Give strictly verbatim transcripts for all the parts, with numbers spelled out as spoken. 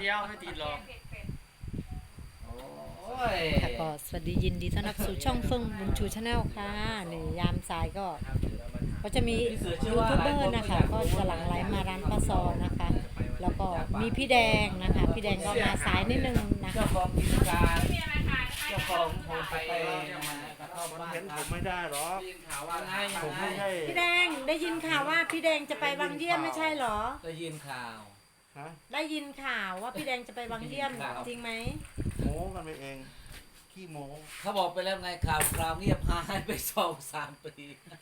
ดียวไม่ติดหรอกโอ้ยค่ะก็สวัสดียินดีต้อนรับสู่ช่องเฟิงบุญชูชาแนลค่ะนี่ยามสายก็ก็จะมียูทูบเบอร์นะคะก็จะหลั่งไหลมาร้านป้าซอนะคะ แล้วก็มีพี่แดงนะคะพี่แดงก็มาสายนิดนึงนะเจ้าคะของกิจการเจ้าของโฮมสเตย์กระท่อมบ้านเห็นผมไม่ได้หรอกได้ยินข่าวว่าไงผมไม่ใช่พี่แดงได้ยินข่าวว่าพี่แดงจะไปวังเยี่ยมไม่ใช่เหรอได้ยินข่าวฮะได้ยินข่าวว่าพี่แดงจะไปวังเยี่ยมจริงไหมโม้กันไปเองขี้โม้เขาบอกไปแล้วไงข่าวคราวเงียบหายไปสองสามปี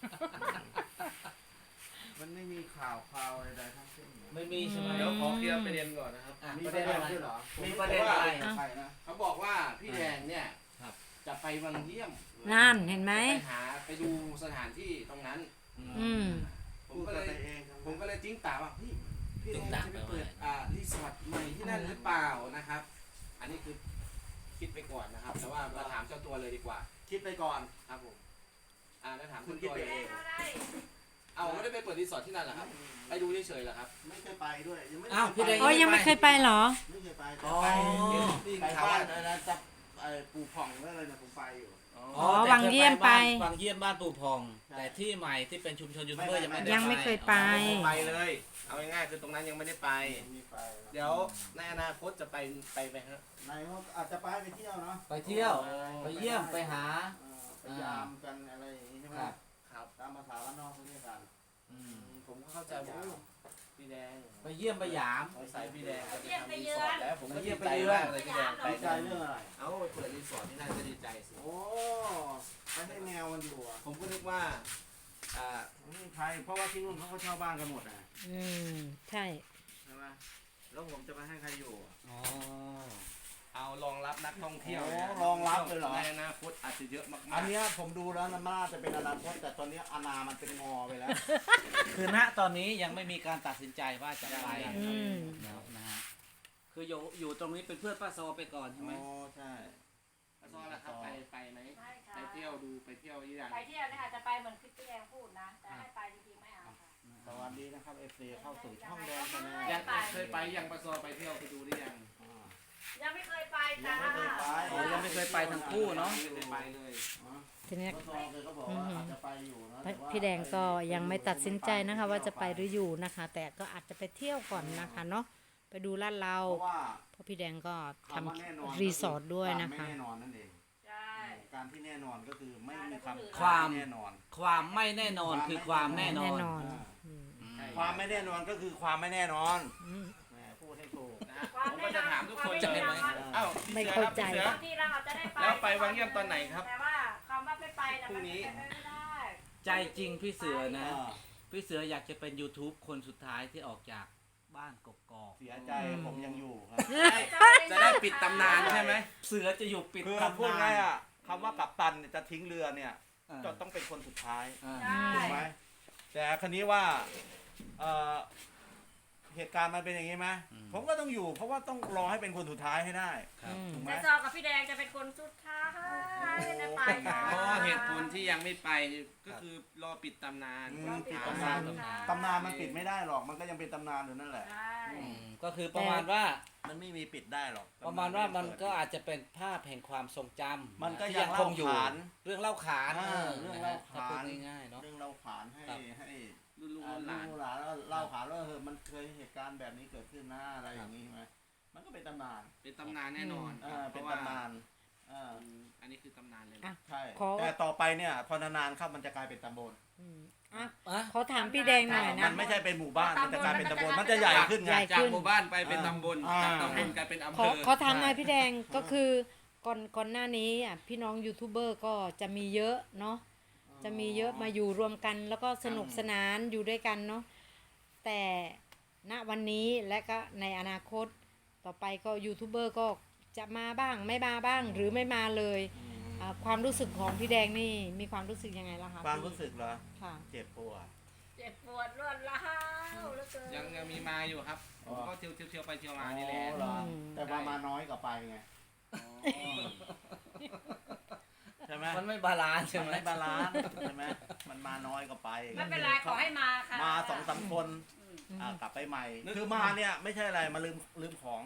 มันไม่มีข่าวข่าวอะไรทั้งสิ้นไม่มีใช่ไหมเดี๋ยวขอเคลียร์ประเด็นก่อนนะครับอ่ะมีประประเด็เด็นนอะไรด้วยเหรอมีประเด็นอะไรใครนะเขาบอกว่าพี่แดงเนี่ยครับจะไปวังเยี่ยมนั่นเห็นไหมไปหาไปดูสถานที่ตรงนั้นอืมผมพูดก็กัเลนไปยเองครับผมก็เลยจิ้งตาว่าพี่พี่แดจิ้งงตาจะไปไปว่าเปิดอ่ารีสอร์ทใหม่ที่นั่นหรือเปล่านะครับ อันนี้คือคิดไปก่อนนะครับ แต่ว่ามาถามเจ้าตัวเลยดีกว่าคิดไปก่อนครับผมอ่าแล้วถามคุคุณ ณคิดตัวไปเลเอย งเอาไม่ได้ไปเปิดรีสอร์ทที่นั่นเหรอครับไปดูเฉยๆเหรอครับไม่เคยไปด้วยยังไม่อ้าวพี่แดงอ๋อยังไม่เคยไปเหรอไม่เคยไปแต่อ๋อไปได้ยินไปข่าวบ้าว่านอะไรนะจับไอ้ปูผ่องหรืออะไรนะผมไปอยู่อ๋อวังเยี่ยมไปวังเยี่ยมบ้านปู่พองใช่แต่ที่ใหม่ที่เป็นชุมชนยูทูบเบอร์ยังไม่ได้ยังไม่เคยไปไปเลย เอาง่ายๆคือตรงนั้นยังไม่ได้ไปมีไปนะเดี๋ยวในอนาคตจะไปไปไหมครับนายเขาอาจจะไปไปเที่ยวเนาะไปเที่ยว ไปเยี่ยมไปหาเออไปยามกันอะไรอย่างงี้ใช่ไหมครับครับตามภาษาบ้านนอกเขาเรียกกันอืมผมก็เข้าใจว่าพี่แดงไปเยี่ยมไปหยามสงสัยพี่แดงจะไปทำรีสอร์ทแล้วผมก็เยี่ดียมไปใจเยือนมากเลยพี่แดงไปดีใจเรื่องอะไรเอาเปิดรีสอร์ทที่นั่นก็ดีใจสิโอ้ไม่ให้แนวมันอยู่อ่ะผมก็นึกว่าอ่าไม่มีใครเพราะว่าที่นู่นเขาก็เช่าบ้านกันหมดนะอืมใช่ใช่ไหมแล้วผมจะไปให้ใครอยู่อ่ะอ๋อเอารองรับนักท่องเที่ยวโอ้นะรองรับเลยเหรอในอนาคตอาจจะเยอะมากๆอันเนี้ยผมดูแล้วนะมันน่าจะเป็นอนาคตแต่ตอนนี้อนามันเป็นงอไปแล้วคือณตอนนี้ยังไม่มีการตัดสินใจว่าจะไปอืมแล้วนะฮะคืออยู่อยู่ตรงนี้เป็นเพื่อนป้าซอไปก่อนใช่ไหมโอ้ใช่แล้วก็ล่ะครับไปไปไหมไม่ค่ะไปเที่ยวดูไปเที่ยวยี่อย่างไปเที่ยวเนี่ยอาจจะไปเหมือนคลิปที่แดงพูดนะ แต่ให้ไปจริงๆไม่เอาค่ะสวัสดีนะครับเอฟซีเข้าสู่ช่องแดงชาแนลยังเคยไปยังประซอไปเที่ยวไปดูหรือยังอ่ายังไม่เคยไปยัจ้างไม่เคยไปโอ้ยังไม่เคยไปทั้งคู่เนาะไม่ได้ไปเลยอ๋อทีนี้ก็ซองเลยก็บอกว่าอาจจะไปอยู่นะแต่ว่าพี่แดงก็ยังไม่ตัดสินใจนะคะ ว่าจะไปหรืออยู่นะคะ แต่ก็อาจจะไปเที่ยวก่อนนะคะเนาะไปดูลาดเราเพราะว่าเพราะพี่แดงก็ทำคำว่าแน่นอนรีสอร์ทด้วยนะไม่คะแน่นอนนั่นเองใช่การที่แน่นอนก็คือไม่มีคำความแน่นอนความไม่แน่นอนคือความแน่นอแน่นนอนอ่าอืมอืมความไม่แน่นอนก็คือความไม่แน่นอนอืมแหมพูดให้ถูกนะฮะผมก็จะถามทุกคนใจไหมเอ้าพี่ไม่สือเข้าครับใจพี่สือบางทีเราอาจจะได้ไปแล้วไปวังเยี่ยมตอนไหนครับแต่ว่าคำว่าไม่ไปนะพรุ่มันงนี้เป็นไปไม่ได้ใจจริงพี่เสือนะอ่าพี่เสืออยากจะเป็น YouTube คนสุดท้ายที่ออกจากบ้านกกอกเสียใจผมยังอยู่ครับจะได้ปิดตำนานใช่ไหมเสือจะอยู่ปิดคือตำพูดนาง่ายนอ่ะคำว่ากัปตันเนี่ยจะทิ้งเรือเนี่ยอ่าจะต้องเป็นคนสุดท้ายอ่าใช่ถูกไหมแต่คันนี้ว่าเอ่อเหตุการณ์มันเป็นอย่างนี้ไหมผมก็ต้องอยู่ เพราะว่าต้องรอให้เป็นคนสุดท้ายให้ได้ครับอืมถูกไหมแต่ซอกับพี่แดงจะเป็นคนสุดท้ายไม่ได้ไปนะเพราะเหตุผลที่ยังไม่ไปก็คือรอปิดตำนานอืมเราปิดตำตำนานนานตำนานมันปิดไม่ได้หรอก มันก็ยังเป็นตำนานอยู่นั่นแหละใช่อืมก็คือประมาณว่ามันไม่มีปิดได้หรอกประมาณว่ามันก็อาจจะเป็นภาพแห่งความทรงจำมันก็ที่ยังคงอยู่เล่าขานเรื่องเล่าขานอ่าเออเรื่องนะเล่าฮะถ้าขานพูดง่ายๆเนาะเรื่องเล่าขานให้ครับให้รุ่นลูกอ่ารุ่นหลูลานกหลานแล้วเล่าขานว่าเออมันเคยเหตุการณ์แบบนี้เกิดขึ้นนะอะไรอย่างนี้ใช่ไหมมันก็เป็นตำนานเป็นตำนานแน่นอนอ่าเพเป็นราะว่าตำนานอ่าอันนี้คือตำนานเลยอ่ะนะใช่ขอแต่ต่อไปเนี่ยพอนานๆเข้ามันจะกลายเป็นตำบลอืมอ่ะอ่ะขอถามพี่แดงหน่อยมันะนไม่ใช่เป็นหมู่บ้านมันจะกลายเป็นตำบลมันจะใหญ่ขึ้นไงใหญ่จากหมู่บ้านไปเป็นตำบลอ่าจากตำบลกลายเป็นอำขเภออขอถามหน่อยพี่แดงก็คือก่อนก่อนหน้านี้อ่ะพี่น้องยูทูบเบอร์ก็จะมีเยอะเนาะจะมีเยอะมาอยู่รวมกันแล้วก็สนุกสนานอยู่ด้วยกันเนาะแต่ณวันนี้และก็ในอนาคตต่อไปก็ยูทูบเบอร์ก็จะมาบ้างไม่มาบ้างหรือไม่มาเลยอ่าความรู้สึกของพี่แดงนี่มีความรู้สึกยังไงล่ะคะความรู้สึกเหรอค่ะเจ็บปวดเจ็บปวดรวดร้าวเหลือเกินยังยังมีมาอยู่ครับผมก็เที่ยวเที่ยวเที่ยวไปเที่ยวมานี่แหละอ๋อเหรอแต่ว่ามาน้อยกว่าไปไงใช่ไหมมันไม่บาลานซ์ใช่มันไหมไม่บาลานซ์ใช่ไหมมันมาน้อยกว่าไปไม่เป็นไรขอให้มาค่ะมาสองสามคนอ่ากลับไปใหม่ คือมาเนี่ยไม่ใช่อะไรมาลืมลืมของ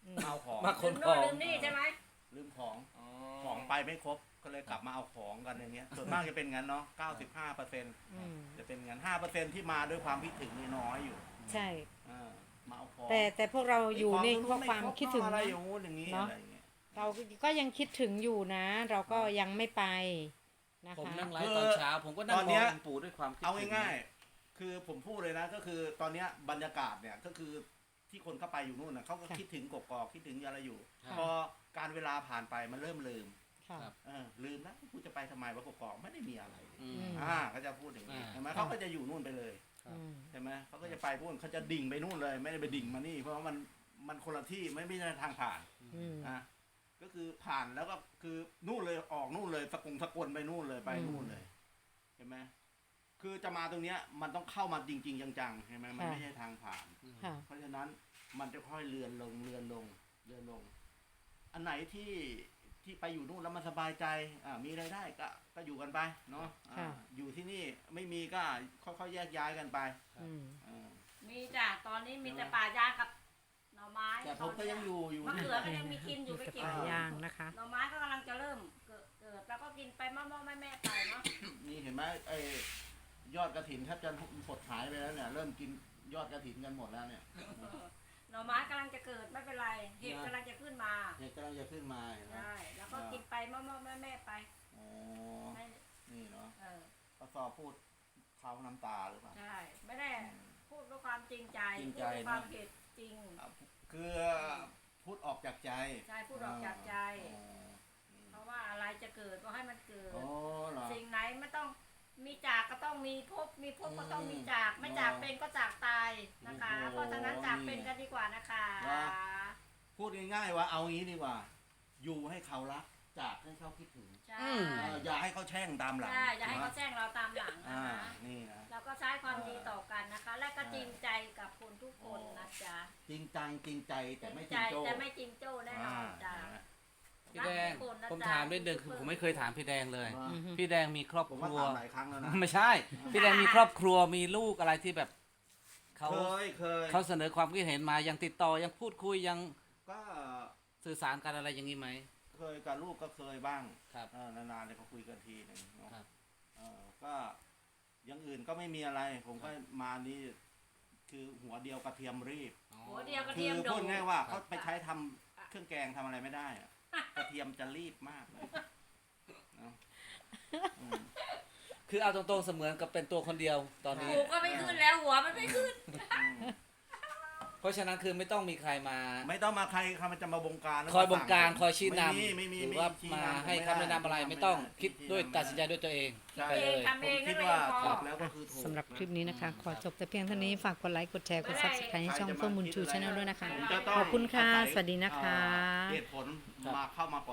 มาเอาของมาขลืนมขโน่อน งลืมนี่ใช่ไหมลืมของอ๋อของไปไม่ครบก็เลยกลับมาเอาของกันอย่างเงี้ยส่วนมากจะเป็นงั้นเนาะเก้าสิบห้าเปอร์เซ็นต์อืมจะเป็นงั้นห้าเปอร์เซ็นต์ที่มาด้วยความคิดถึงนี่น้อยอยู่ใช่อ่ามาเอาของแต่แต่พวกเราอยู่ในเพราะความคิดถึงอะไรนะอย่างงู้นอย่างนี้เนอะอะไรอย่างเงี้ยเราก็ยังคิดถึงอยู่นะ เราก็ยังไม่ไปนะผมคะนั่งไลฟ์ตอนเช้า ผมก็นั่งตอนมเนี้องยองค์ปู่ด้วยความคิดเอาถึง่ายๆคือผมพูดเลยนะก็คือตอนเนี้ยบรรยากาศเนี่ยก็คือที่คนเข้าไปอยู่นู่นนะเขาก็ค่ะคิดถึงกกอกคิดถึงอะไรอยู่ครับพอการเวลาผ่านไปมันเริ่มลืมค่ะครับเออลืมแล้วกูจะไปทำไมวะกกอกไม่ได้มีอะไรอืมอืมอ่าเขาจะพูดอย่างนี้อ่าใช่ไหมเขาก็จะอยู่นู่นไปเลยครับอืมใช่ไหมเขาก็จะไปพูดเขาจะดิ่งไปนู่นเลย ไม่ได้ไปดิ่งมานี่ เพราะว่ามันมันคนละที่ไม่ไม่ใช่ทางผ่านอืมอ่ะก็คือผ่านแล้วก็คือนู่นเลยออกนู่นเลยสกุงสกลไปนู่นเลยไปอืมนู่นเลยเห็นไหมคือจะมาตรงเนี้ยมันต้องเข้ามาจริง ๆ จังๆใช่ไหมมันค่ะไม่ใช่ทางผ่านค่ะเพราะฉะนั้นมันจะค่อยเลือนลงเลือนลงเลือนลง อันไหนที่ที่ไปอยู่นู่นแล้วมันสบายใจอ่ามีรายได้ก็ก็อยู่กันไปเนาะอ่าค่ะอยู่ที่นี่ไม่มีก็ค่อยๆแยกย้ายกันไปอืมอ่ามีจ้ะตอนนี้มีแต่ป่ายางกับหน่อไม้แต่ผมก็ยังอยู่อยู่มะนี่เขือก็ยังมีกินอยู่ไปจะเก็บปลาย่างนะคะหน่อไม้ก็กำลังจะเริ่มเกิดเกิดแล้วก็กินไปม่อๆแม่ๆไปเนาะนี่เห็นไหมไอ้ยอดกระถินแทบจะหดหายไปแล้วเนี่ยเริ่มกินยอดกระถินกันหมดแล้วเนี่ยหน่อไม้กำลังจะเกิดไม่เป็นไรเห็ดกำลังจะขึ้นมาเห็ดกำลังจะขึ้นมาเห็นไหมใช่แล้วก็กินไปม่อๆแม่ๆไปอ๋อไม่นี่เนาะเออปะซอพูดเขาน้ำตาหรือเปล่าใช่ไม่ได้พูดด้วยความจริงใจจริงพูดใจด้วยความนะเผ็ดจริงอ่ะคือพูดออกจากใจใช่พูดออกจากใจอ๋อเพราะว่าอะไรจะเกิดก็ให้มันเกิดอ๋อเหรอสิ่งไหนไม่ต้องมีจากก็ต้องมีพบมีพบก็ต้องมีอืมจากไม่จากอ๋อเป็นก็จากตายนะคะโอ้โหเพราะฉะนั้นจากเป็นกันดีกว่านะคะว่า พูดง่ายๆว่าเอางี้ดีกว่า อยู่ให้เขารักจากให้เขาคิดถึงใช่อืมเอออย่าให้เขาแช่งตามหลังใช่อย่าให้เขาแจ้งเราตามหลังนะอ่าคะนี่นะเราก็ใช้ความดีต่อกันนะคะ และก็จริงใจกับคนทุกคนนะจ๊ะจริงจังจริงใจจแต่ริงไม่จใจริงโจ้แต่ไม่จริงโจ้แน่นอนจ้ะพี่แดง ผมถามนิดนึงคือผมไม่เคยถามพี่แดงเลยอืมพี่แดงมีครอบผมคว่ารัวถามหลายครั้งแล้วนะไม่ใช่ พี่แดงมีครอบครัวมีลูกอะไรที่แบบเขาเคยเคยเขาเสนอความคิดเห็นมายังติดต่อยังพูดคุยยังก็สื่อสารกันอะไรอย่างนี้ไหมเคยกับลูกก็เคยบ้างครับเออนานๆเลยเขาคุยกันทีหนึ่งเนาะครับเออก็อยังอื่นก็ไม่มีอะไร ผมก็มานี่คือหัวเดียวกระเทียมรีบหัวเดียวกระคืเทียมอโดพูดดง่ายว่าเขาไปใช้ทำเครื่องแกงทำอะไรไม่ได้อะกระเทียมจะรีบมากเลยเนาะอืมคือเอาตรงๆเสมือนกับเป็นตัวคนเดียวตอนนี้หูก็ไม่ขึ้นแล้วหัวมันไม่ขึ้นอืมเพราะฉะนั้นคือไม่ต้องมีใครมาไม่ต้องมาใครใครมันจะมาบงการคอยบงการคอยชี้นไม่มีไม่มีำหรือว่าไชี้มาำให้ผคำแนะนำอะไรไม่ต้องคิดด้วยตัดสินใจด้วยตัวเองใช่ไปเลยทำเองผมคิดนั่นเองว่าพอถูกแล้วก็คือถูกสำหรับคลิปนี้นะคะ ขอจบแต่เพียงเท่านี้ ฝากกดไลค์ กดแชร์ กด subscribe ให้ช่องเฟื่องบุญชูชาแนลด้วยนะคะผมจะต้องขอบคุณค่ะอาศัยสวัสดีนะคะเอ่อเหตุผลมาเข้ามาก่อน